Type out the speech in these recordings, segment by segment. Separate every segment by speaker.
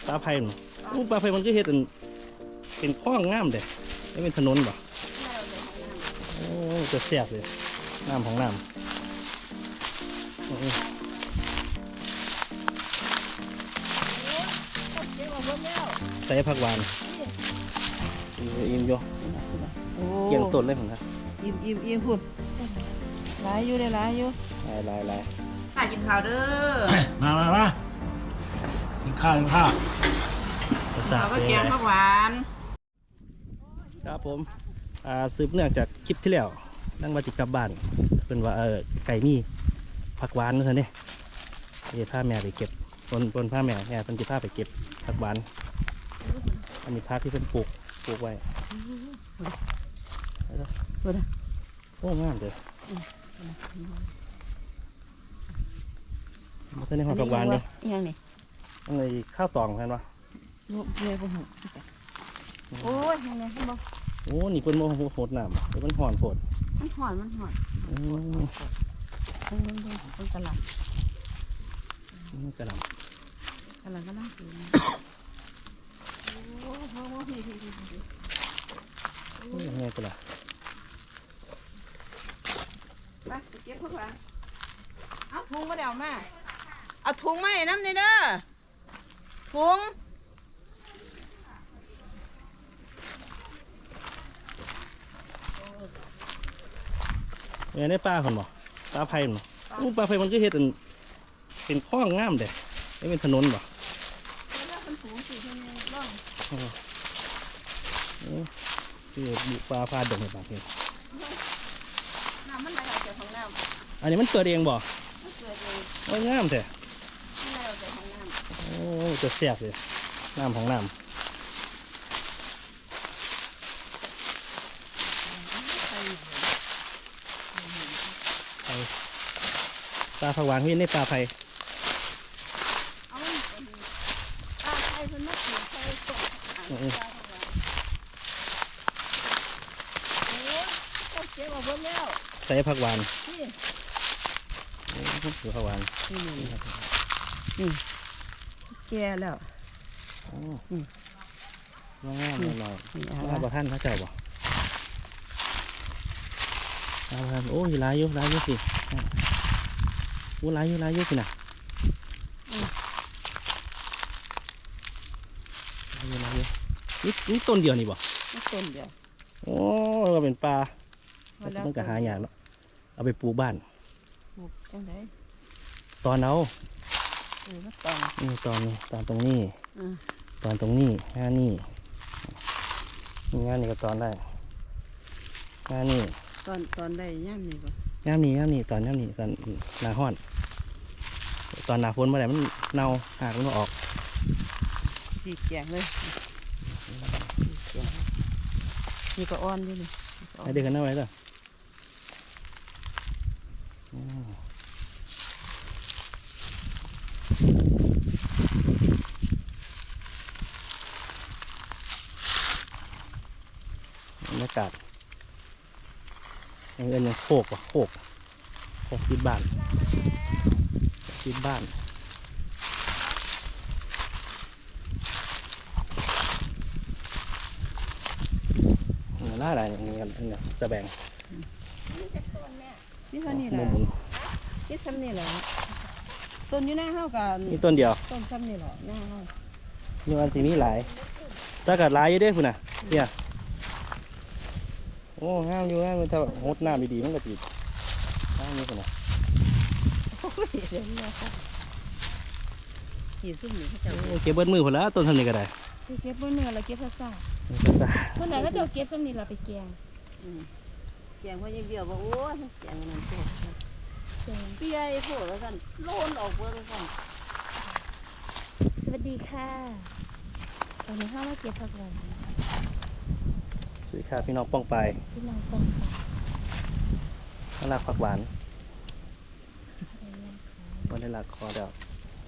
Speaker 1: ปลาไผ่ปลาไผ่มันก็เฮ็ดเป็นคลองงามเด้ไม่เป็นถนนบ่โอ้จะแซ่บเลยน้ำของน้ำใส่ผักหวานอิ่มอยู่เกี่ยงต้นเลยผมครับ
Speaker 2: อิ่มพูดหลายอยู่ได้หลายอยู่
Speaker 1: หลาย
Speaker 2: ข้ากินข้าวเด้อ
Speaker 3: มากินข้าว
Speaker 2: ข้าวก็แกงผักหวาน
Speaker 1: ครับผมสืบเนื่องจากคลิปที่แล้วนั่งมาจิกลับบ้านเป็นว่าไก่มีผักหวานนั่นเองนี่ผ้าแม่ไปเก็บต้นผ้าแม่เป็นจะผ้าไปเก็บผักหวานอันนี้พักที่เป็นปลูกไว้โอ้งามเลยมันจะในหัวผักหวานเลย
Speaker 2: ยังนี่
Speaker 1: ในข้าวตองเห็นปะ
Speaker 2: โอ้ยยังไงคุณบอก
Speaker 1: โอ้นี่เป็นโมโหดน้ำมันห่อนโผด
Speaker 2: มันห่อนเป็นตลาด
Speaker 1: กระหล่ำ
Speaker 2: ก็น่ากิน
Speaker 1: ยังไงกันล่ะ
Speaker 2: ไปเก็บพวกเราเอาถุงมาเดี๋ยวมาเอาถุงมาให้น้ำนี่เด้อถุง
Speaker 1: เนี่ยในปลาคนบ่ปลาไผ่บ่ปลาไผ่มันก็เฮ็ดเป็นคลองงามเด้ไม่เป็นถนนบ่คือปลาพาดงในบางที
Speaker 2: น้ำมันไหลออกจากของน้
Speaker 1: ำอันนี้มันเกิดเองบ่โอ้งามแท้โอ้จะแซ่บเลยน้ำของน้ำปลาผักหวานพี่ในปลาไผ่ใส่ผักหวานผักหวาน
Speaker 2: แก่แล้ว
Speaker 1: ง่ายๆหน่อยๆบ่ท่านเขาเจ้าบ่โอ้ยลายอยู่สิโอ้ลายอยู่สินะลายอยู่นี่ต้นเดียวนี่บ่
Speaker 2: ต้นเดียว
Speaker 1: โอ้เราเป็นปลามันก็หายากเนาะเอาไปปลูกบ้าน
Speaker 2: จังได
Speaker 1: ตอนเอา
Speaker 2: ต
Speaker 1: อนตรงนี้ตอนตรงนี้งานนี่ก็ตอนได้งานนี่
Speaker 2: ตอนได้ย่ำนี่ป่ะ
Speaker 1: ย่ำนี่ตอนหนาห้อนตอนหนาฝนเมื่อไหร่มันเน่าหากมันออก
Speaker 2: ดีแกงเลยนี่ก็อ่อนด้วยนี่
Speaker 1: ไอเด็กกันเอาไว้เหรอบรรยากาศยังโคกติดบ้านล่าอะไรเนี่ยจะแบ่ง
Speaker 2: นี่เท่านี้แหละนี่ซ้ำนี่แหละต้นอยู่หน้าเฮากัน
Speaker 1: นี่ต้นเดียว
Speaker 2: ต้นซ้ำนี่แหละหน้าเฮา
Speaker 1: นี่วันที่นี้หลายถ้าเกิดหลายอยู่ได้คุณน่ะเนี่ยโอ้ห้ามอยู่ห้ามถ้าหดน้ำดีๆมันก็ติดห้ามนี่คุณน่ะ
Speaker 2: ขี่ซุ่มนี่เขาจะ
Speaker 1: เก็บเบิ้ลมือคนละต้นทำนี่ก็ได้
Speaker 2: เก็บเบิ้ลมือเราเก็บซ่าเมื่อไหร่ก็จะเก็บซ้ำนี่เราไปแกงเพราะยังเบี้ยวว่าโอ้ยแกงนั่นแกงเปี้ยโผล่แล้วกันโลนออกเบอร์แล้วกัน
Speaker 4: สวัสดีค่ะตอนนี้ข้าวมาเก็บผักหวาน
Speaker 1: สวัสดีค่ะพี่น้องป้องไปน่ารักผักหวานวันนี้รักคอเดียว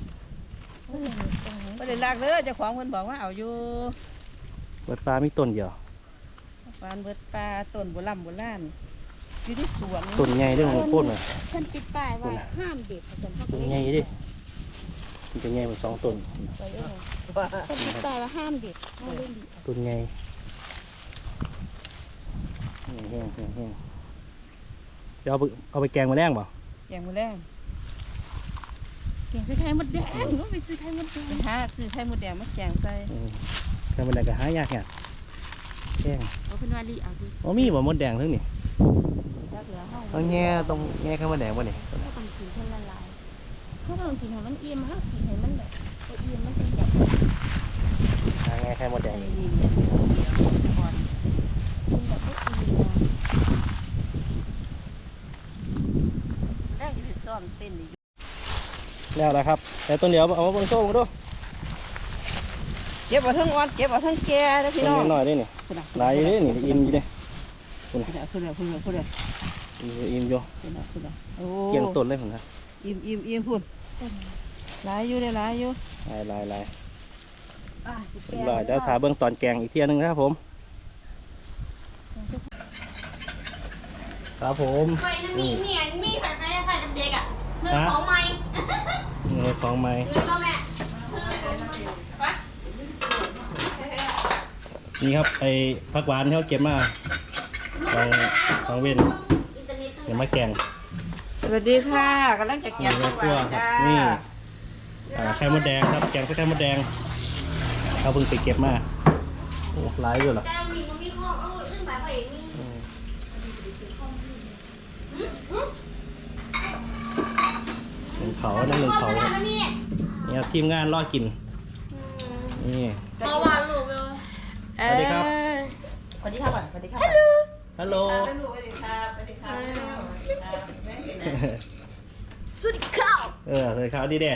Speaker 2: วันนี้รักเลยเจ้าของคนบอกว่าเอาอยู่
Speaker 1: เบิดปลามีต้นเดียว
Speaker 2: ปลาเบิดปลาต้นโบราณอยู่ที่สวน
Speaker 1: ต้นใหญ่ด้วยของพูดเลย
Speaker 4: ฉันติดป้ายว่าห้ามเด็ด
Speaker 1: ต้นใหญ่ดิมันจะใหญ่เหมือน2ต้น
Speaker 2: ไปเลย
Speaker 4: คนที่ตายว่าห้ามเด็กห้ามเล่นดิ
Speaker 1: ต้นใหญ่แห้งเดี๋ยวเอาไปแกงมาแรงเปล่า
Speaker 2: แกงมือแรง
Speaker 4: เก่งซื้อไข่มดแดงก็ไปซื้อไข่มดแดง
Speaker 2: ไปหาซื้อไข่มดแดงมาแกงใส่
Speaker 1: แกงมาแดงก็หายากเนี่ยแกง
Speaker 4: เอาเป็นวาลีเอาดิ
Speaker 1: อ๋อมีบ่มดแดงทั้งนี่
Speaker 2: จักเหลือห้อง
Speaker 1: ต้องแง่ตรงแง่ข้าวมดแดงป่ะนี่
Speaker 4: ถ้าต้องกินเท่าละลายถ้าต้องกินให้มันเอี่ยมถ้ากินให้มันแบบเอี่ยมมันเป็นแบบ
Speaker 1: หาแง่ข้าวมดแดง
Speaker 2: ดีก่อน
Speaker 4: เป็นแบบไม่ดีนะ
Speaker 2: แรกจะไปซ่อมเต้นอีก
Speaker 1: แล้วนะครับ แต่ต้นเดียวเอามาเบิ่งโซ่มาดู
Speaker 2: เก็บเอาทั้งอ่อนเก็บเอาทั้งแก่นะพี่
Speaker 1: ต้
Speaker 2: น้อง
Speaker 1: นน้อยๆด้วยนี่หลายอยู่ด้วยนี่อิ่มอยู่เด้
Speaker 2: คุณอ่ะคุณอ่ะคุณอ่ะคุณอ่ะ
Speaker 1: อิ่มอยู่
Speaker 2: คุณอ่ะคุณอ่ะโอ้
Speaker 1: เกี่ยงต้นเลยผมนะ
Speaker 2: อิ่มพูดหลายอยู่เลยหลายอยู่
Speaker 1: ลาย
Speaker 2: อ่ะ
Speaker 1: เรียบร้อยเดี๋ยวถาเบิ่งตอนแกงอีกเที่ยหนึงนะครับผมครับผม
Speaker 4: ไฟมันมีไฟไฟไฟกับเด็กอ่ะเรื่องของไม้
Speaker 1: ของไม้
Speaker 4: เรื่องก็แม่
Speaker 1: นี่ครับไอ้ผักหวานที่เขาเก็บมาของเว้นเดี๋ยวมาแกง
Speaker 2: สวัสดีค่ะกำลังจะแก
Speaker 1: นี่
Speaker 2: ง
Speaker 1: เนื้อคั่วครับนี่ไข่มดแดงครับแกงไข่มดแดงเขาเพิ่งไปเก็บมาโอ้หลายอยู่หรอ
Speaker 4: แต่มีมันมีข้อเรื่องแบบเองนี่
Speaker 1: หนึ่งเขานั่นหนึ่งเขาครับนี่ครับทีมงานรอกินนี่
Speaker 4: เมื่อวานลูกเลย
Speaker 1: สวัสดีครับ
Speaker 2: สวัสดีค่ะก่อนสวัสดีค่ะ
Speaker 1: ฮัลโหล
Speaker 2: สวัสดีค่ะสวัสดีค่ะ
Speaker 4: สวัสดีครับ
Speaker 1: สวัสดีครับดีเด้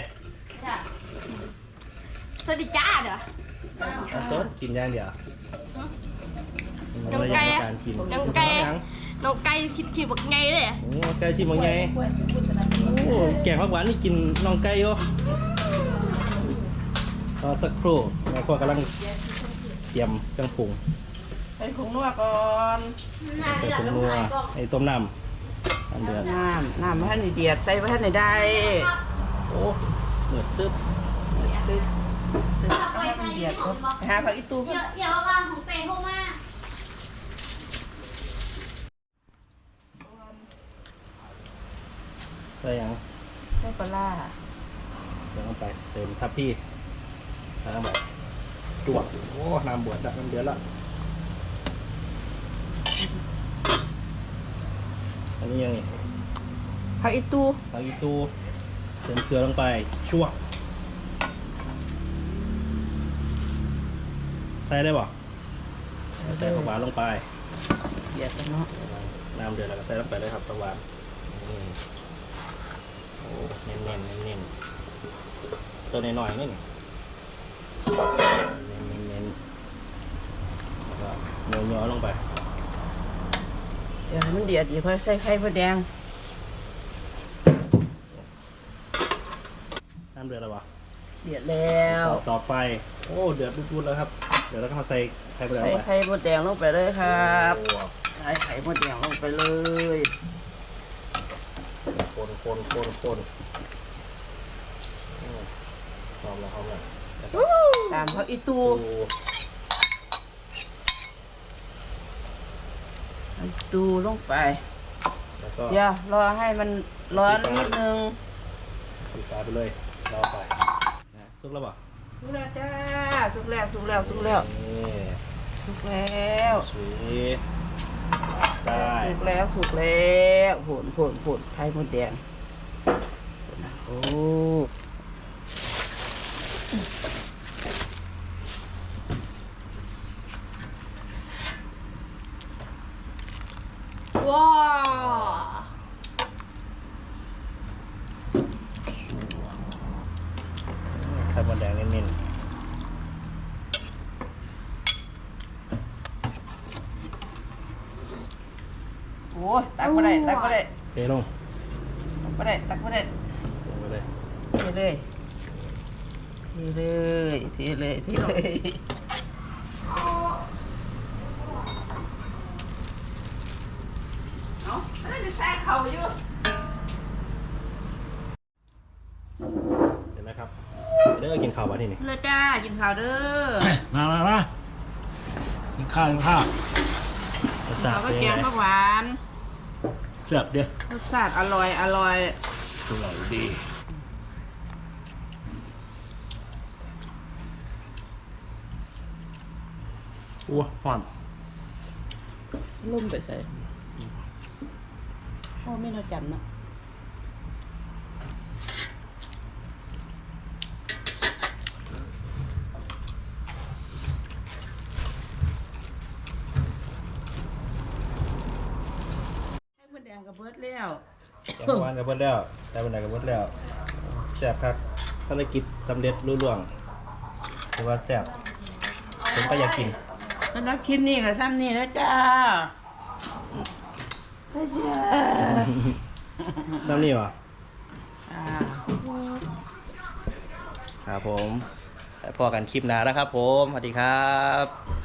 Speaker 4: สวัสดีจ้าเด้อ
Speaker 1: เอาสดกินย่างเดียว
Speaker 4: น้องไก่
Speaker 1: การกิน
Speaker 4: น้องไก่น้องไก่คิดบอกไงเลย
Speaker 1: โอ้ไก่ชิมว่าไงโอ้แกงผักหวานนี่กินน้องไก่อยู่รอสักครู่แม่ครัวกำลังเตรียมเครื่องปรุง
Speaker 2: ใส่ผงนัวก่อน
Speaker 1: ใส่ผงนัวไอ้ต้มน้ำเดือด
Speaker 2: น้ำพระท่านเดียดใส่พระท่านได้
Speaker 1: โอ้เหนือตึ๊บ
Speaker 2: พระท่านเดียดครับไปหาผักอีตู
Speaker 4: อย่าว่าวางของเตะเข้ามา
Speaker 1: ใส่ยัง
Speaker 2: ใส่ปลาร้า
Speaker 1: เติมลงไปเติมทับพี่น้ำแบบจวดโอ้น้ำบวชละน้ำเดือดละอันนี้ยังไง
Speaker 2: ผักอีตู
Speaker 1: ผักอีตูเติมเกลือลงไปชั่วใส่ได้ป่ะใส่ผักหวานลงไป
Speaker 2: เดียดกันเนาะ
Speaker 1: น้ำเดือดแล้วก็ใส่ลงไปเลยครับผักหวานนี่โอ้เน้นตัวน้อยๆนี่เน้นแล้วก็ย่อลงไป
Speaker 2: เดี๋ยวให้มันเดียดอีกค่อยใส่ไข่มดแดง
Speaker 1: น้ำเดือดแล้วป่ะ
Speaker 2: เดียดแล้ว
Speaker 1: ต่อไปโอ้เดือดปุดๆแล้วครับเดี๋ยวเราก็มาใส่ไข่ไปแล้ว
Speaker 2: ใส่
Speaker 1: ไป
Speaker 2: ไข่มดแดงลงไปเลยครับ
Speaker 1: โอ้
Speaker 2: ใส่ไข่มดแดงลงไปเลย
Speaker 1: คนหอมแล้ว
Speaker 2: ตามผักอีตูอีตูลงไป
Speaker 1: แล้วก็
Speaker 2: เดี๋ยวรอให้มันร้อนนิดนึง
Speaker 1: ปิดฝาไปเลยรอไปนะซุกแล้วป่ะ
Speaker 2: สุกแล้วจ้าสุกแล้ว
Speaker 1: นี่
Speaker 2: สุกแล้ว
Speaker 1: สวย
Speaker 2: สุกแล้วผลไข่มดแดงโอ้
Speaker 4: ว้า
Speaker 1: ไข่มดแดงเน้น
Speaker 2: โหตักมาได้
Speaker 1: ๆเทลง
Speaker 2: ตักมาได้
Speaker 1: ลงไปเลย
Speaker 2: เทเลยเอาจะแซ่เข่าอยู่
Speaker 1: เสร็จแล้วครับข้าววะนี่นี่
Speaker 2: เลยจ้ากินข้าวเด้อ
Speaker 3: มากินข้าวกินข้าว
Speaker 1: รส
Speaker 2: ข้า
Speaker 1: ชาว ติ
Speaker 2: ก็
Speaker 1: เป็น
Speaker 2: แก
Speaker 1: ยัง
Speaker 2: ง
Speaker 1: ไง
Speaker 2: ผักหวาน
Speaker 3: เสียบเดียว
Speaker 2: รสชาติอร่อยอร่อย
Speaker 3: อร่อยดีอ้วหอม
Speaker 2: ลุ่มไปใส่พ่อไม่น่าจำนะให้มันแดงกับเบิดแล้ว
Speaker 1: แกงวานกับเบิดแล้วแต่บันไดกับเบิดแล้วแซ่บครับภารกิจสำเร็จรุ่ล่วงถือว่าแซ่บผมก็อยากกิน
Speaker 2: สำหรับคลิปนี้ก็ซ้ำนี่นะจ้าจ้า
Speaker 1: น้ำนี่วะ
Speaker 2: อ่า
Speaker 1: ครับผมพอกันคลิปหน้าแล้วครับผมสวัสดีครับ